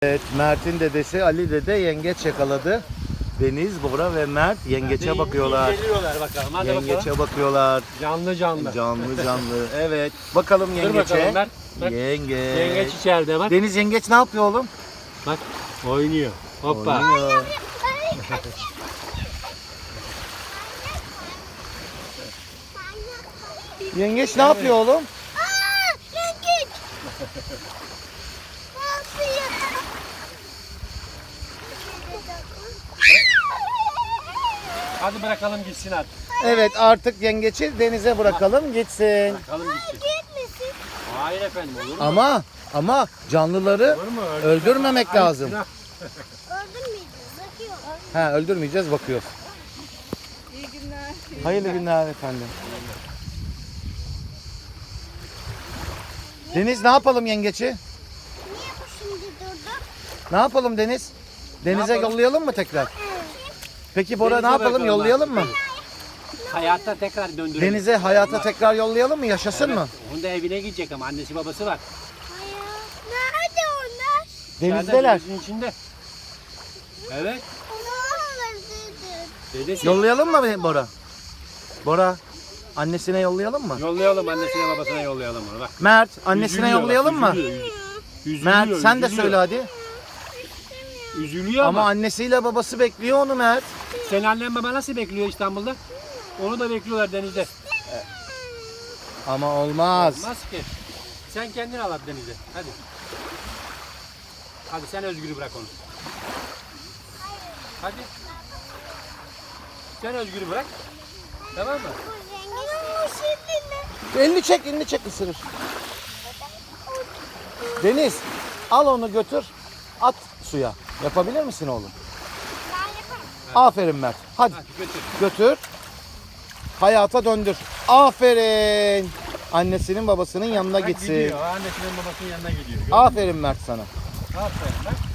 Evet, Mert'in dedesi Ali dede yengeç yakaladı. Deniz, Bora ve Mert yengeçe bakıyorlar. Geliyorlar bakalım. Hadi Yengeçe bakalım. bakıyorlar. Canlı canlı. Canlı canlı. Evet. Bakalım Dur yengeçe. bakalım Mert. Bak. Yengeç. Yengeç içeride bak. Deniz yengeç ne yapıyor oğlum? Bak. Oynuyor. Hoppa. Oynuyor. Yengeç ne yapıyor oğlum? Yengeç. Ne yapıyor? Hadi bırakalım gitsin artık. Evet, artık yengeci denize bırakalım gitsin. Bırakalım gitsin. Gitmesin. Hayır efendim, olur mu? Ama canlıları Olur mu? öldürmemek lazım. Günah. Öldürmeyeceğiz. Bakıyor. Ha, öldürmeyeceğiz, bakıyoruz. İyi günler. Hayırlı günler efendim. Deniz ne yapalım yengeci? Niye bu şimdi durdu? Ne yapalım Deniz? Denize yapalım? yollayalım mı tekrar? Peki Bora Denize ne yapalım? bırakalım yollayalım mı? Hayatta tekrar döndürelim. Denize hayata tekrar yollayalım mı? Yaşasın mı? Onun da evine gidecek ama annesi babası var. Hayır. Nerede onlar? Denizdeler. Denizin içinde. Evet. Onlar dedi. Dedesi. Yollayalım mı Bora? Bora, annesine yollayalım mı? Yollayalım, annesine babasına yollayalım onu bak. Mert, annesine Üzülüyor bak, yollayalım mı? Üzülüyor, Mert, sen de üzülüyor. söyle hadi. Üzülüyor Ama ama. annesiyle babası bekliyor onu Mert. Senin annen baba nasıl bekliyor İstanbul'da? Onu da bekliyorlar denizde. Ama olmaz. Olmaz ki. Sen kendin al at denize. Hadi. Hadi sen Özgür'ü bırak onu. Hadi. Sen Özgür'ü bırak. Tamam mı? Ama şimdi ne? Elini çek ısırır. Deniz, al onu götür, at suya. Yapabilir misin oğlum? Ben yaparım. Aferin Mert. Hadi Hadi götür. götür. Hayata döndür. Aferin. Annesinin babasının yanına Bak gitsin. gidiyor. Annesinin babasının yanına gidiyor. Aferin Mert sana. Aferin bak.